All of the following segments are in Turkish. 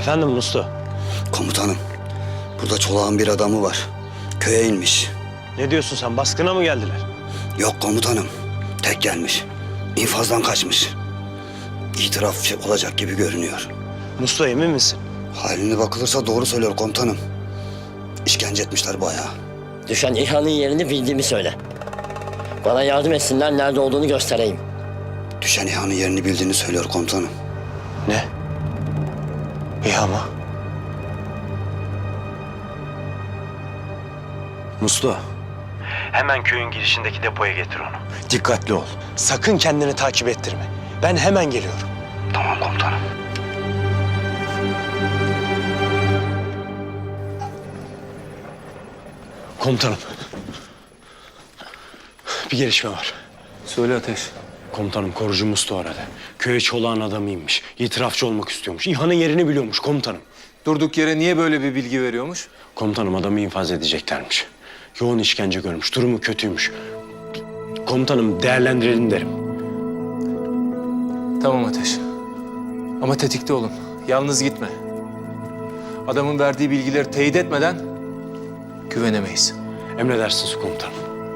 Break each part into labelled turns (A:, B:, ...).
A: Efendim Mustu?
B: Komutanım, burada Çolak'ın bir adamı var. Köye inmiş.
A: Ne diyorsun sen? Baskına mı geldiler?
B: Yok komutanım, tek gelmiş. İnfazdan kaçmış. İtiraf olacak gibi görünüyor.
A: Mustu emin misin?
B: Haline bakılırsa doğru söylüyor komutanım. İşkence etmişler bayağı.
C: Düşen İHA'nın yerini bildiğimi söyle. Bana yardım etsinler, nerede olduğunu göstereyim.
B: Düşen İHA'nın yerini bildiğini söylüyor komutanım.
A: Ne? İHA mı? Mustu. Hemen köyün girişindeki depoya getir onu. Dikkatli ol. Sakın kendini takip ettirme. Ben hemen geliyorum.
B: Tamam komutanım.
A: Komutanım. Bir gelişme var.
D: Söyle Ateş.
A: Komutanım korucu Mustu aradı. Köye Çolak'ın adamıymış. İtirafçı olmak istiyormuş. İHA'nın yerini biliyormuş komutanım.
D: Durduk yere niye böyle bir bilgi veriyormuş?
A: Komutanım adamı infaz edeceklermiş. Yoğun işkence görmüş. Durumu kötüymüş. Komutanım değerlendirelim derim.
D: Tamam Ateş. Ama tetikte olun. Yalnız gitme. Adamın verdiği bilgileri teyit etmeden güvenemeyiz.
A: Emredersiniz komutanım.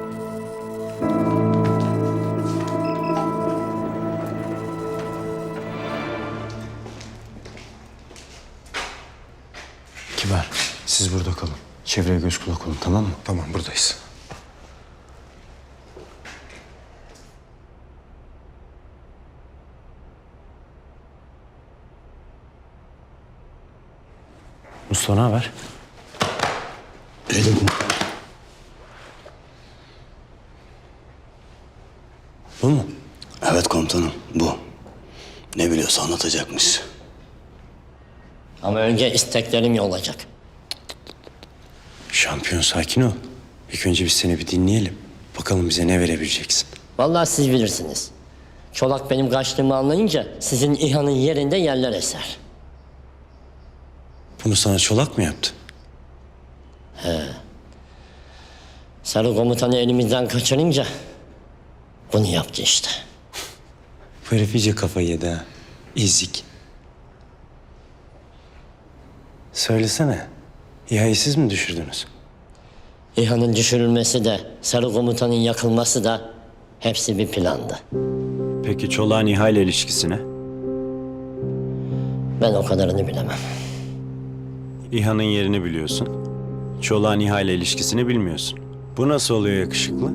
A: Kibar, siz burada kalın. Çevreye göz kulak olun, tamam mı?
E: Tamam, buradayız.
A: Mustafa ne haber? Bu mu?
B: Evet komutanım, bu. Ne biliyorsa anlatacakmış.
C: Ama önce isteklerim olacak.
A: Şampiyon sakin ol. İlk önce biz seni bir dinleyelim. Bakalım bize ne verebileceksin.
C: Vallahi siz bilirsiniz. Çolak benim kaçtığımı anlayınca sizin İHA'nın yerinde yerler eser.
A: Bunu sana Çolak mı yaptı?
C: Sarı komutanı elimizden kaçırınca bunu yaptı işte.
A: Bu herif iyice kafayı yedi ha. İzik. Söylesene. İHA'yı siz mi düşürdünüz?
C: İHA'nın düşürülmesi de Sarı komutanın yakılması da hepsi bir plandı.
A: Peki Çolak'ın İHA ile ilişkisine?
C: Ben o kadarını bilemem.
A: İHA'nın yerini biliyorsun. Çolak'ın İHA ile ilişkisini bilmiyorsun. Bu nasıl oluyor yakışıklı?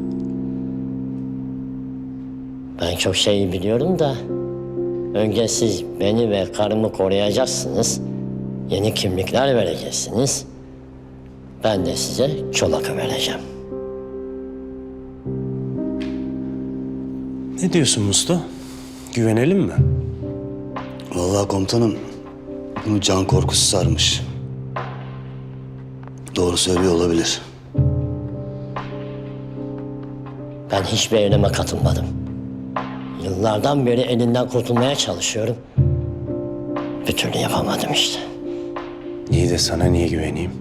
C: Ben çok şey biliyorum da önce siz beni ve karımı koruyacaksınız. Yeni kimlikler vereceksiniz. Ben de size Çolak'ı vereceğim.
A: Ne diyorsun Mustafa? Güvenelim mi?
B: Vallahi komutanım, bunu can korkusu sarmış. Doğru söylüyor olabilir.
C: Ben hiçbir eyleme katılmadım. Yıllardan beri elinden kurtulmaya çalışıyorum. Bir türlü yapamadım işte.
A: İyi de sana niye güveneyim?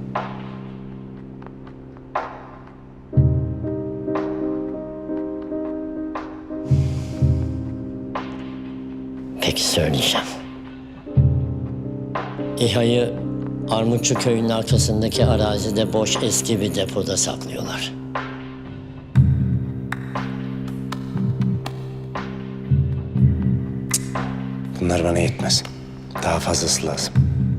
C: Peki söyleyeceğim. İHA'yı Armutçu köyünün arkasındaki arazide boş eski bir depoda saklıyorlar.
A: Bunlar bana yetmez. Daha fazlası lazım.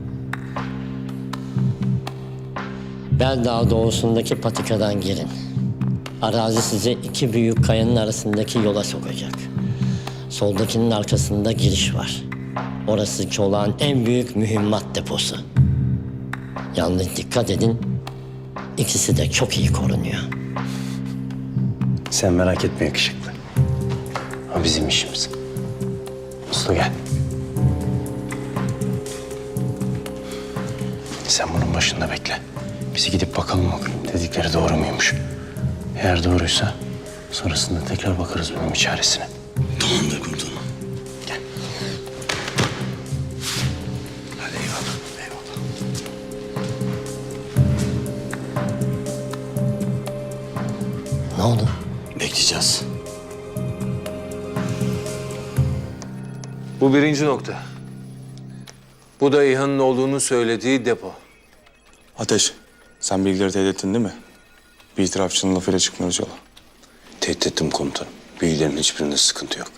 C: Beldağ doğusundaki patikadan girin. Arazi sizi iki büyük kayanın arasındaki yola sokacak. Soldakinin arkasında giriş var. Orası Çolak'ın en büyük mühimmat deposu. Yalnız dikkat edin, ikisi de çok iyi korunuyor.
A: Sen merak etme yakışıklı. O bizim işimiz. Mustafa gel. Sen bunun başında bekle. Bizi gidip bakalım dedikleri doğru muymuş? Eğer doğruysa sonrasında tekrar bakarız bunun bir çaresine.
B: Tamamdır komutanım.
A: Gel.
B: Hadi eyvallah, eyvallah.
C: Ne oldu?
B: Bekleyeceğiz.
D: Bu birinci nokta. Bu da İHA'nın olduğunu söylediği depo.
E: Ateş, sen bilgileri teyit ettin değil mi? Bir itirafçının lafıyla çıkmıyoruz yola.
A: Tehdit ettim komutanım. Bilgilerin hiçbirinde sıkıntı yok.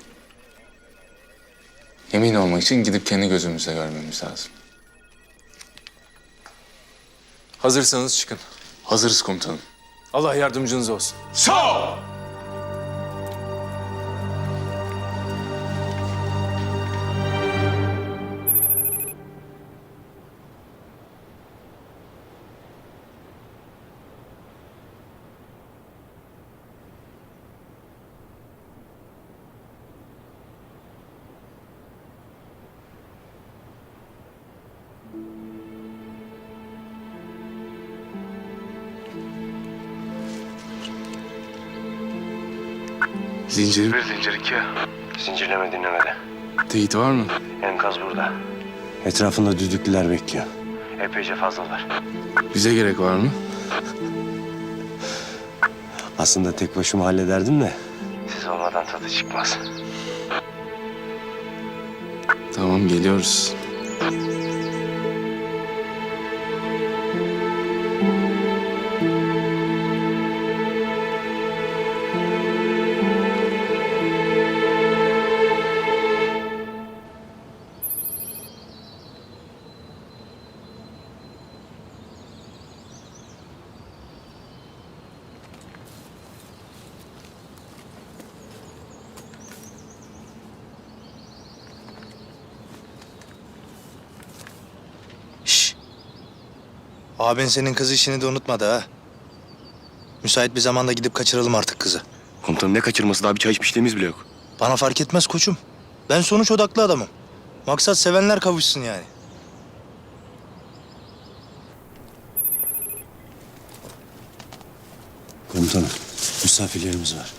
F: Emin olmak için gidip kendi gözümüzle görmemiz lazım.
D: Hazırsanız çıkın.
F: Hazırız komutanım.
D: Allah yardımcınız olsun.
F: Zincir
G: Zincir 2.
A: Zincirleme dinlemede.
F: teyit var mı?
A: Enkaz burada. Etrafında düdüklüler bekliyor.
G: Epeyce fazlalar.
F: Bize gerek var mı?
A: Aslında tek başıma hallederdim de.
G: Siz olmadan tadı çıkmaz.
F: Tamam, geliyoruz.
H: Abin senin kız işini de unutmadı ha. Müsait bir zamanda gidip kaçıralım artık kızı.
A: Komutanım ne kaçırması, daha bir çay içmişliğimiz bile yok.
H: Bana fark etmez koçum. Ben sonuç odaklı adamım. Maksat sevenler kavuşsun yani.
A: Komutanım, misafirlerimiz var.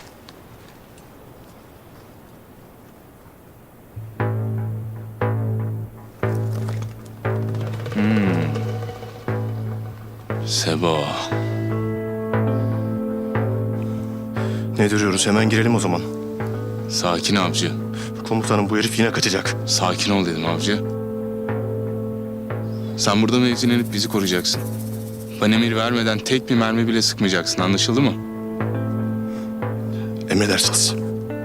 F: Sebo.
I: Ne duruyoruz? Hemen girelim o zaman.
F: Sakin avcı.
I: Komutanım bu herif yine kaçacak.
F: Sakin ol dedim avcı. Sen burada mevzilenip bizi koruyacaksın. Ben emir vermeden tek bir mermi bile sıkmayacaksın. Anlaşıldı mı?
I: Emredersiniz.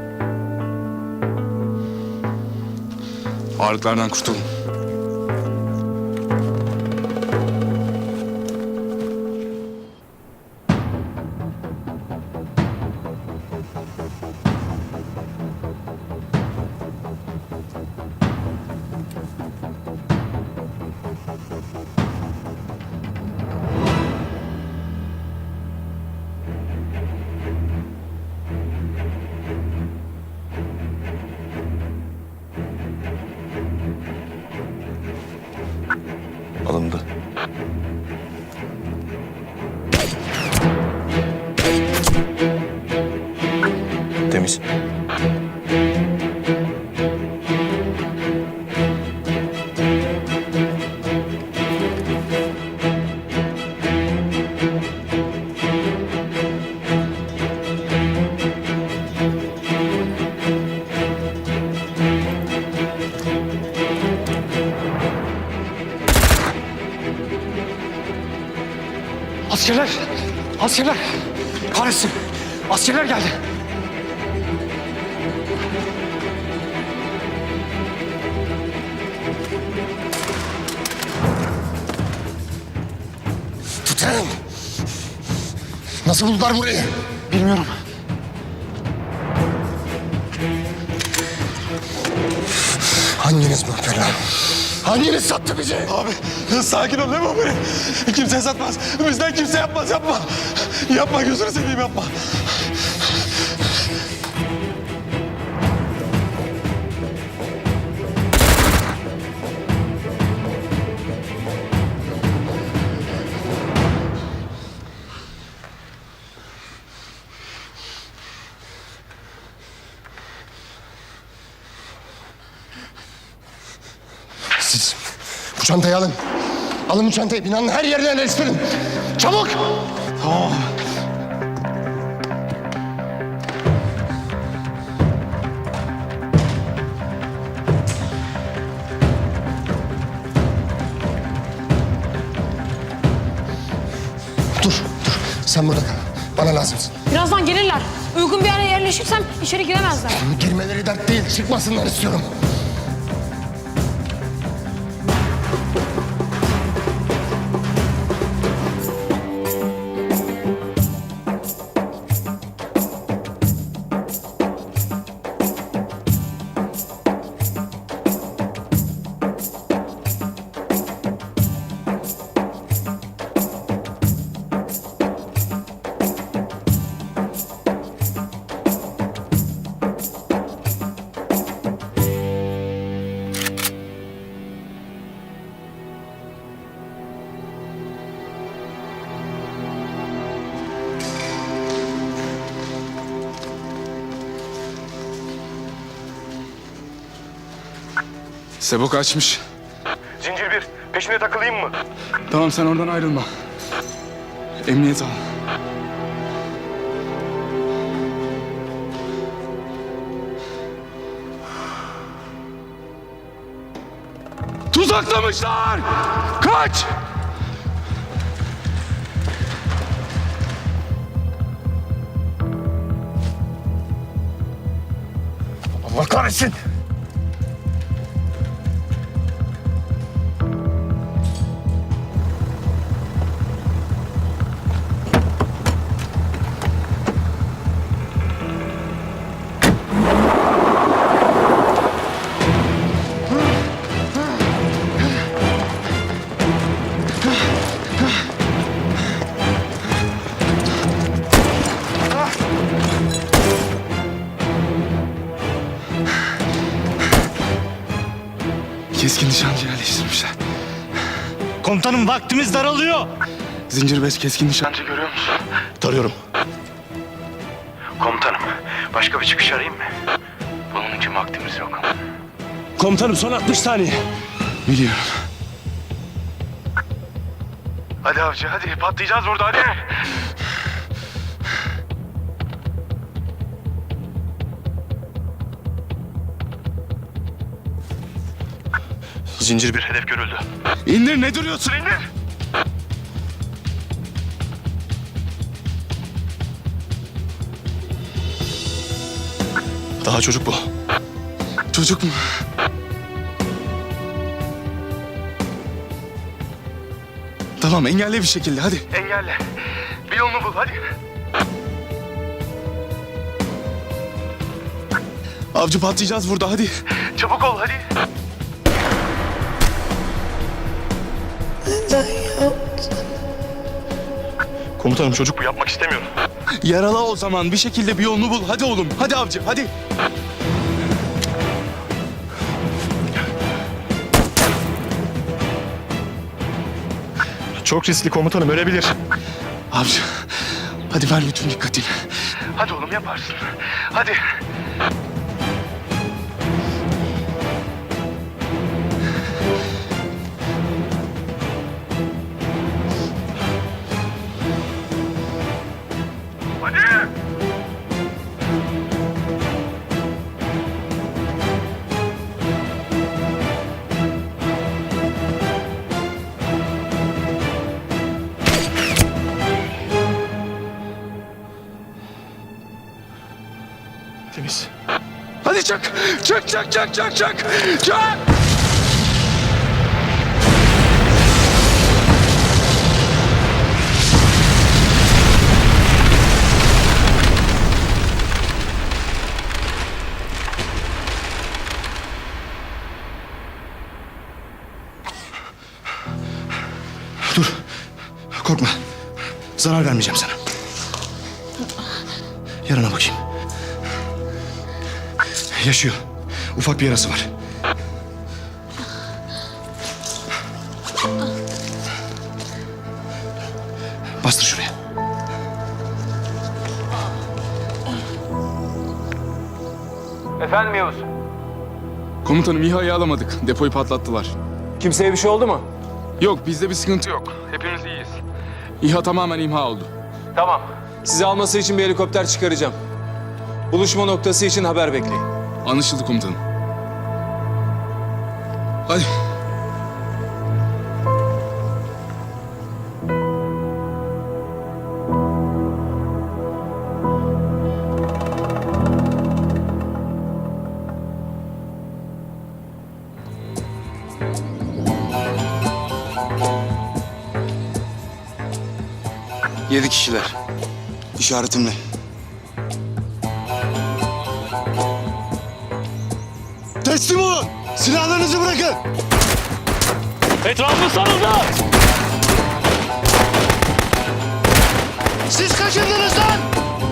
F: Ağırlıklardan kurtulun.
I: Alındı. Temiz.
J: Askerler! Askerler! Kahretsin! Askerler geldi! Tutarım! Nasıl buldular burayı? Bilmiyorum. Hanginiz mahveder? Hanginiz sattı bizi?
E: Abi sakin ol, ne bu böyle? Kimse satmaz. Bizden kimse yapmaz, yapma. Yapma, gözünü seveyim, yapma.
J: Siz bu çantayı alın. Alın bu çantayı. Binanın her yerine yerleştirin. Çabuk!
E: Tamam.
J: Sen burada kal. Bana lazımsın.
K: Birazdan gelirler. Uygun bir yere yerleşirsem içeri giremezler.
J: Girmeleri dert değil. Çıkmasınlar istiyorum.
F: Sebo kaçmış.
E: Zincir bir. Peşine takılayım mı?
F: Tamam sen oradan ayrılma. Emniyet al. Tuzaklamışlar! Kaç!
J: Allah kahretsin.
F: Keskin nişancı yerleştirmişler.
H: Komutanım vaktimiz daralıyor.
F: Zincir 5 keskin nişancı görüyor musun?
J: Tarıyorum.
G: Komutanım, başka bir çıkış arayayım mı? Bunun için vaktimiz yok.
E: Komutanım son 60 saniye.
F: Biliyorum.
G: Hadi avcı, hadi. Patlayacağız burada, hadi.
I: Zincir bir hedef görüldü.
F: İndir, ne duruyorsun, indir!
I: Daha çocuk bu.
F: Çocuk mu? Tamam, engelle bir şekilde, hadi.
G: Engelle. Bir yolunu bul, hadi.
F: Avcı patlayacağız burada, hadi.
G: Çabuk ol, hadi.
I: Komutanım çocuk bu, yapmak istemiyorum.
F: Yarala o zaman, bir şekilde bir yolunu bul. Hadi oğlum, hadi avcı, hadi.
I: Çok riskli komutanım, ölebilir.
F: Avcı, hadi ver bütün dikkatini.
G: Hadi oğlum, yaparsın. Hadi. Hadi.
I: Temiz.
F: Hadi çak, çak, çak, çak, çak, çak, çak!
I: Dur. Korkma. Zarar vermeyeceğim sana. Yarana bakayım. Yaşıyor. Ufak bir yarası var. Bastır şuraya.
D: Efendim Yavuz?
F: Komutanım İHA'yı alamadık. Depoyu patlattılar.
D: Kimseye bir şey oldu mu?
F: Yok, bizde bir sıkıntı yok. Hepimiz iyiyiz. İHA tamamen imha oldu.
D: Tamam. Sizi alması için bir helikopter çıkaracağım. Buluşma noktası için haber bekleyin.
F: Anlaşıldı komutanım. Hadi. 7 kişiler.
B: İşaretimle. Teslim olun. Silahlarınızı bırakın.
E: Etrafı sarıldı.
B: Siz kaçındınız lan.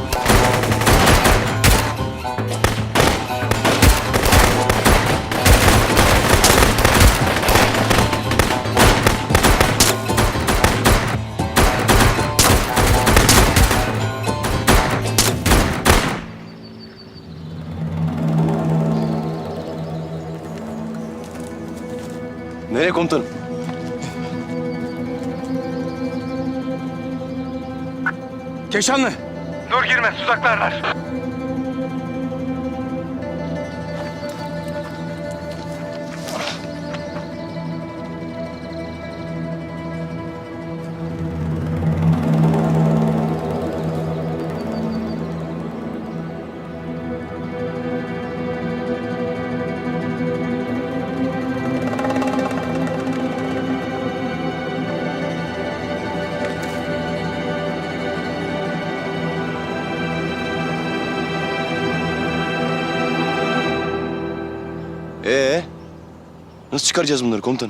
I: Nereye komutanım?
E: Keşanlı.
G: Dur girme, tuzaklarlar.
I: Nasıl çıkaracağız bunları komutanım?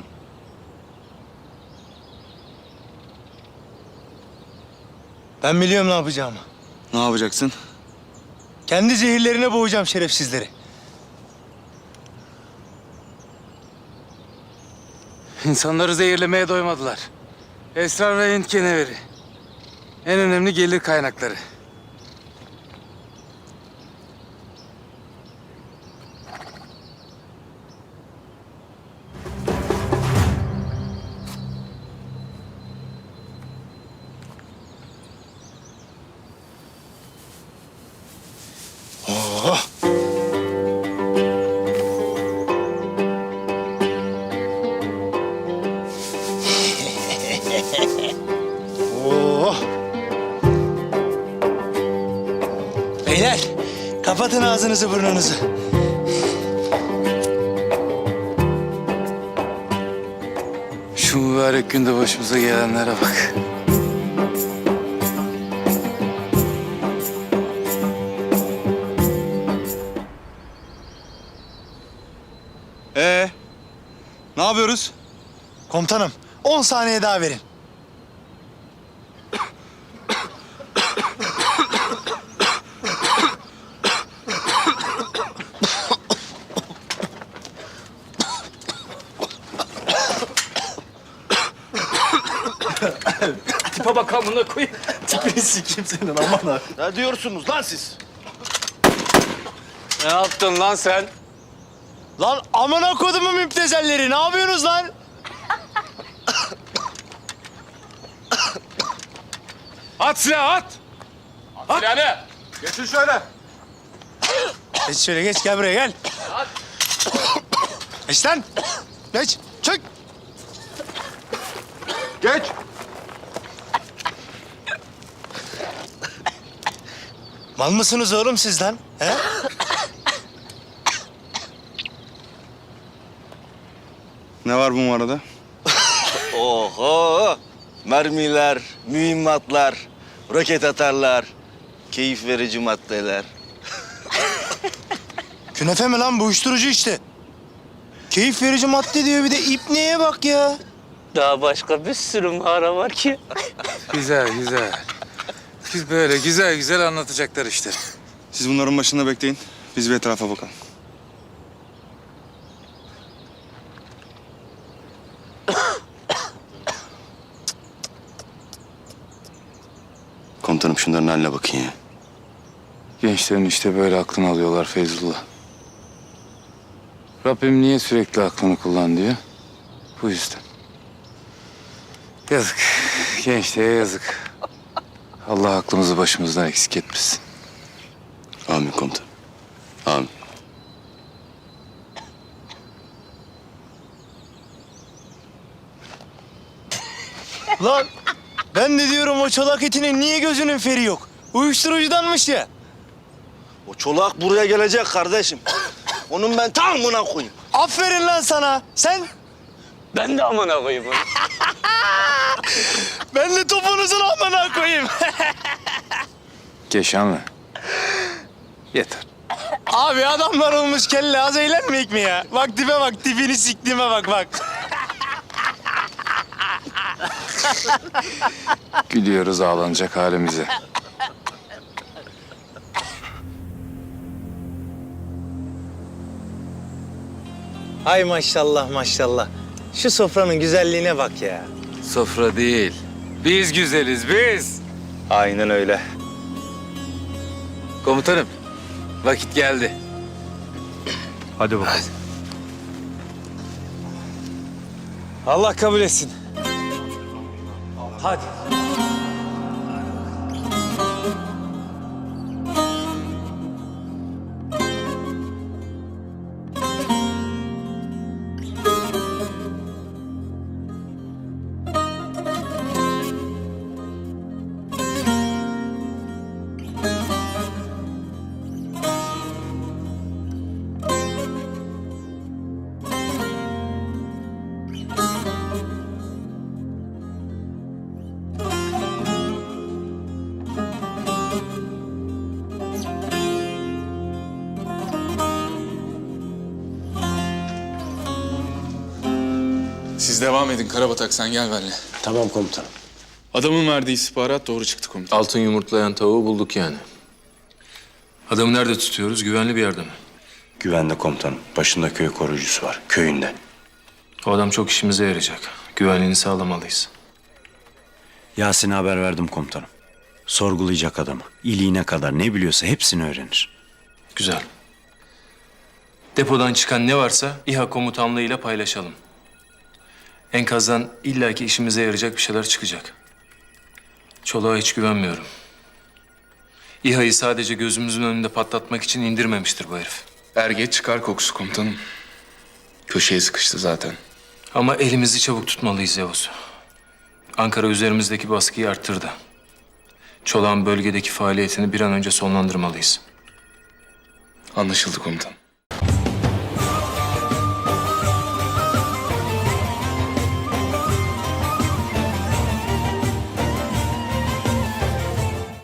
H: Ben biliyorum ne yapacağımı.
B: Ne yapacaksın?
H: Kendi zehirlerine boğacağım şerefsizleri.
D: İnsanları zehirlemeye doymadılar. Esrar ve Hint keneveri. En önemli gelir kaynakları.
H: Beyler, kapatın ağzınızı burnunuzu.
D: Şu mübarek günde başımıza gelenlere bak.
B: Ne yapıyoruz?
H: Komutanım, 10 saniye daha verin.
E: Tipe bak amına koyayım.
I: Tipini sikeyim senin aman ha. Ne diyorsunuz lan siz?
D: Ne yaptın lan sen?
H: Lan amına kodumun müptezelleri, ne yapıyorsunuz lan?
D: At silahı at!
E: At silahını. Geçin şöyle.
H: Geç şöyle, geç, gel buraya, gel. Geç lan. Geç, çık.
E: Geç.
H: Mal mısınız oğlum siz lan? He?
B: Ne var bu arada?
L: Oho! Mermiler, mühimmatlar, roket atarlar, keyif verici maddeler.
H: Künefe mi lan bu, uyuşturucu işte. Keyif verici madde diyor, bir de ipneye bak ya.
L: Daha başka bir sürü mağara var ki.
D: Güzel güzel. Biz böyle güzel güzel anlatacaklar işte.
B: Siz bunların başında bekleyin. Biz bir etrafa bakalım.
I: Komutanım şunların haline bakın ya.
D: Gençlerin işte böyle aklını alıyorlar Feyzullah. Rabbim niye sürekli aklını kullan diyor? Bu yüzden. Yazık. Gençliğe yazık. Allah aklımızı başımızdan eksik etmesin.
I: Amin komutanım. Amin.
H: Lan ben de diyorum o çolak etinin niye gözünün feri yok? Uyuşturucudanmış ya.
L: O çolak buraya gelecek kardeşim. Onun ben tam buna koyayım.
H: Aferin lan sana. Sen
L: Ben de amına koyayım onu.
H: Ben de topunuzun amına koyayım.
F: Keşanlı. Yeter.
H: Abi adamlar olmuş kelle az eğlenmeyek mi ya? Bak tipe bak, tipini siktiğime bak.
F: Gülüyoruz ağlanacak halimize.
H: Ay maşallah maşallah. Şu sofranın güzelliğine bak ya.
F: Sofra değil. Biz güzeliz biz.
H: Aynen öyle.
F: Komutanım. Vakit geldi.
I: Hadi bakalım.
H: Allah kabul etsin. Hadi.
F: Siz devam edin Karabatak, sen gel benimle.
A: Tamam komutanım.
F: Adamın verdiği istihbarat doğru çıktı komutanım.
D: Altın yumurtlayan tavuğu bulduk yani. Adamı nerede tutuyoruz? Güvenli bir yerde mi?
A: Güvende komutanım. Başında köy koruyucusu var. Köyünde.
D: O adam çok işimize yarayacak. Güvenliğini sağlamalıyız.
A: Yasin'e haber verdim komutanım. Sorgulayacak adamı. İliğine kadar ne biliyorsa hepsini öğrenir.
D: Güzel. Depodan çıkan ne varsa İHA komutanlığıyla paylaşalım. Enkazdan illaki işimize yarayacak bir şeyler çıkacak. Çolak'a hiç güvenmiyorum. İHA'yı sadece gözümüzün önünde patlatmak için indirmemiştir bu herif.
F: Er geç çıkar kokusu komutanım. Köşeye sıkıştı zaten.
D: Ama elimizi çabuk tutmalıyız Yavuz. Ankara üzerimizdeki baskıyı arttırdı. Çolak'ın bölgedeki faaliyetini bir an önce sonlandırmalıyız.
F: Anlaşıldı komutanım.